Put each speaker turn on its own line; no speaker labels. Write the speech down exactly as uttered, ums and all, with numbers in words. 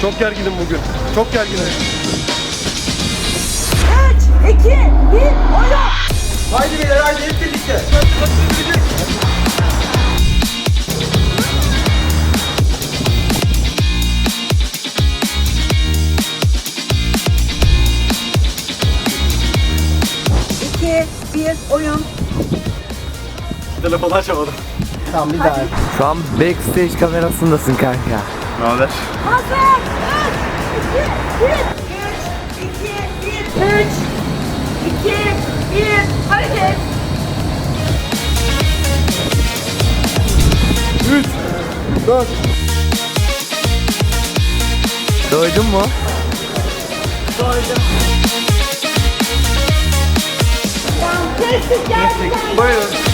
Çok gerginim bugün. Çok gerginim.
üç, iki, bir, oyun.
Haydi beyler haydi hep birlikte.
iki, bir, oyun.
Telefonu açamadım.
Tamam bir daha.
Şu an backstage kamerasındasın kanka.
Ne haber?
Hazır. üç, iki, bir. üç, iki, bir, hareket.
üç, dört.
Doydun mu?
Tamam, kestik, geldik.
Buyurun.